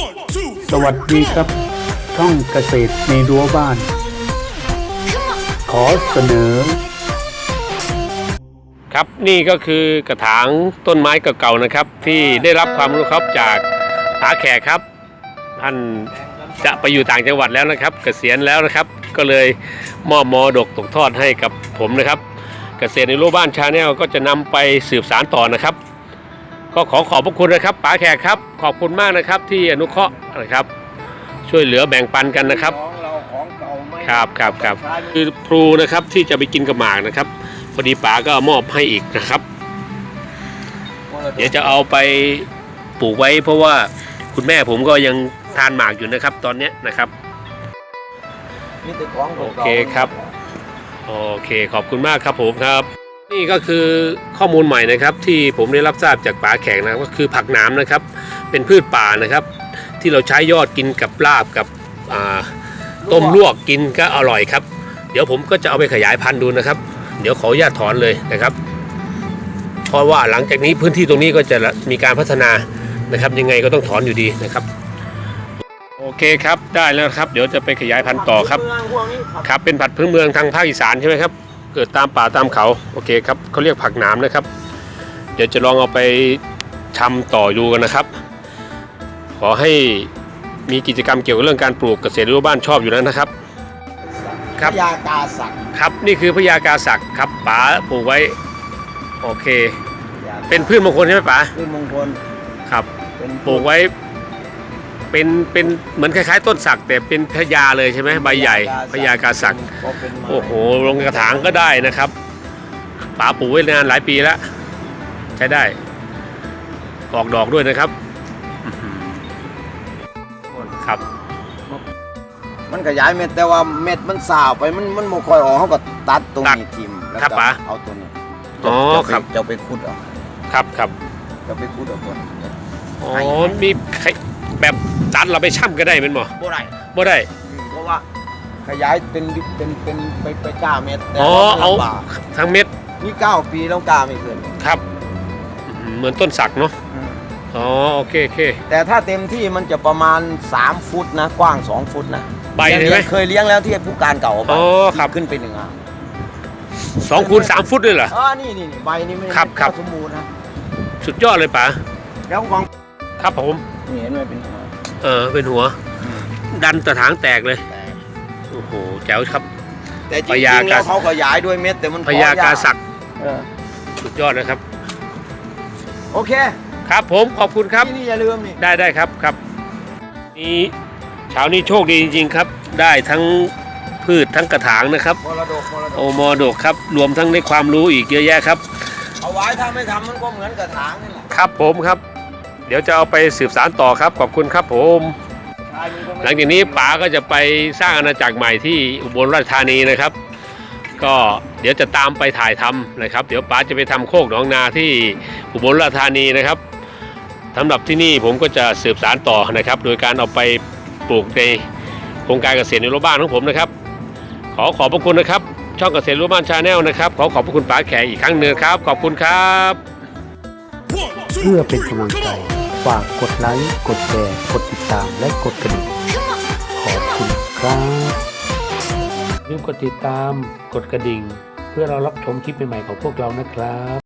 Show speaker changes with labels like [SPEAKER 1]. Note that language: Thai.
[SPEAKER 1] สวัสดีครับช่องเกษตรในรั้วบ้าน ขอเสนอ
[SPEAKER 2] ครับนี่ก็คือกระถางต้นไม้เก่าๆนะครับที่ได้รับความรู้ครับจากป๋าแขกครับท่านจะไปอยู่ต่างจังหวัดแล้วนะครับเกษียณแล้วนะครับก็เลยมอบมรดกตกทอดให้กับผมนะครับเกษตรในรั้วบ้านชาแนลก็จะนำไปสืบสานต่อนะครับก็ขอบพระคุณนะครับป๋าแขกครับขอบคุณมากนะครับที่อนุเคราะห์นะครับช่วยเหลือแบ่งปันกันนะครับครับคือพลูนะครับที่จะไปกินกับหมากนะครับพอดีป๋าก็มอบให้อีกนะครับเดี๋ยวจะเอาไปปลูกไว้เพราะว่าคุณแม่ผมก็ยังทานหมากอยู่นะครับตอนนี้นะครับโอเคครับโอเคขอบคุณมากครับผมครับนี่ก็คือข้อมูลใหม่นะครับที่ผมได้รับทราบจากป๋าแขกนะก็คือผักหนามนะครับเป็นพืชป่านะครับที่เราใช้ยอดกินกับลาบกับต้มลวกกินก็อร่อยครับเดี๋ยวผมก็จะเอาไปขยายพันธุ์ดูนะครับเดี๋ยวขออนุญาตถอนเลยนะครับเพราะว่าหลังจากนี้พื้นที่ตรงนี้ก็จะมีการพัฒนานะครับยังไงก็ต้องถอนอยู่ดีนะครับโอเคครับได้แล้วครับเดี๋ยวจะไปขยายพันธุ์ต่อครับครับเป็นผักพื้นเมืองทางภาคอีสานใช่ไหมครับเกิดตามป่าตามเขาโอเคครับเขาเรียกผักหนามนะครับเดี๋ยวจะลองเอาไปทำต่อดูกันนะครับขอให้มีกิจกรรมเกี่ยวกับเรื่องการปลูกเกษตรรั้วบ้านชอบอยู่แล้วนะครับ
[SPEAKER 3] พญากาศักดิ์
[SPEAKER 2] ครับนี่คือพญากาศักดิ์ครับป๋าปลูกไว้โอเคเป็นพืชมงคลใช่ไหมป๋า
[SPEAKER 3] พืชมงคล
[SPEAKER 2] ครับปลูกไว้เป็นเหมือนคล้ายๆต้นสักแต่เป็นพญาเลยใช่ไหมใบใหญ่พญากาศักดิ์โอ้โหลงกระถางก็ได้นะครับป๋าปลูกไว้นานหลายปีแล้วใช้ได้ออกดอกด้วยนะครับครับ
[SPEAKER 3] มันขยายเม็ดแต่ว่าเม็ดมันสาวไปมันไม่ค่อยออกเขาก็ตัดตรงนี้ทิ่มแล้วก็เอาตัวนี้
[SPEAKER 2] อ๋อครับ
[SPEAKER 3] จะไปขุดเอา
[SPEAKER 2] ครับ
[SPEAKER 3] จะไปขุดเอาตัวนี้
[SPEAKER 2] อ๋อมีแบบตัดเราไปช่ำก็ได้เป็นหมอ
[SPEAKER 3] บ่ได้เพราะว่าขยายเป็นไปก้าเม็ด
[SPEAKER 2] อ๋อเอาทั้งเม็ด
[SPEAKER 3] นี่9 ปีแล้วก้าไม่เกิน
[SPEAKER 2] ครับเหมือนต้นสักเนาะอ๋อโอเค
[SPEAKER 3] แต่ถ้าเต็มที่มันจะประมาณ3 ฟุตนะกว้าง2 ฟุตนะ
[SPEAKER 2] ใบใช่ไหม
[SPEAKER 3] เคยเลี้ยงแล้วที่ผู้การเก่า
[SPEAKER 2] อ๋อครับ
[SPEAKER 3] ขึ้นไป1 อ่ะ
[SPEAKER 2] 2 คูณ 3 ฟุตเลยเหรอ
[SPEAKER 3] นี่ใบนี้ไม่สมบูรณ์นะ
[SPEAKER 2] สุดยอดเลยป๋า
[SPEAKER 3] แล้วของ
[SPEAKER 2] ครับผม
[SPEAKER 3] นี่เห็นไหมเป็นหัว
[SPEAKER 2] เป็นหัวดันกระถางแตกเลยโอ้โหแจ๋วครับ
[SPEAKER 3] แต่จริงๆแล้วเขาขยายด้วยเม็ดแต่มัน
[SPEAKER 2] พญากาศักดิ์สุดยอดนะครับ
[SPEAKER 3] โอเค
[SPEAKER 2] ครับผมขอบคุณครับ
[SPEAKER 3] นี่อย่าลืมนี่
[SPEAKER 2] ได้ครับนี่เช้านี้โชคดีจริงๆครับได้ทั้งพืชทั้งกระถางนะครับมรดกครับรวมทั้งได้ความรู้อีกเยอะแยะครับ
[SPEAKER 3] เอาไว้ถ้าไม่ทำมันก็เหมือนกระถางนี่แหละ
[SPEAKER 2] ครับผมครับเดี๋ยวจะเอาไปสืบสานต่อครับขอบคุณครับผมหลังจากนี้ป๋าก็จะไปสร้างอาณาจักรใหม่ที่อุบลราชธานีนะครับก็เดี๋ยวจะตามไปถ่ายทำนะครับเดี๋ยวป๋าจะไปทำโคกหนองนาที่อุบลราชธานีนะครับสำหรับที่นี่ผมก็จะสืบสานต่อนะครับโดยการเอาไปปลูกในโครงการเกษตรในรั้วบ้านของผมนะครับขอบพระคุณนะครับช่องเกษตรรั้วบ้านชาแนลนะครับขอบพระคุณป๋าแขกอีกครั้งหนึ่งครับขอบคุณครับ
[SPEAKER 1] เพื่อเป็นกำลังใจฝากกดไลค์กดแชร์กดติดตามและกดกระดิ่งขอบคุณครับอย่าลืมกดติดตามกดกระดิ่งเพื่อเรารับชมคลิปใหม่ๆของพวกเรานะครับ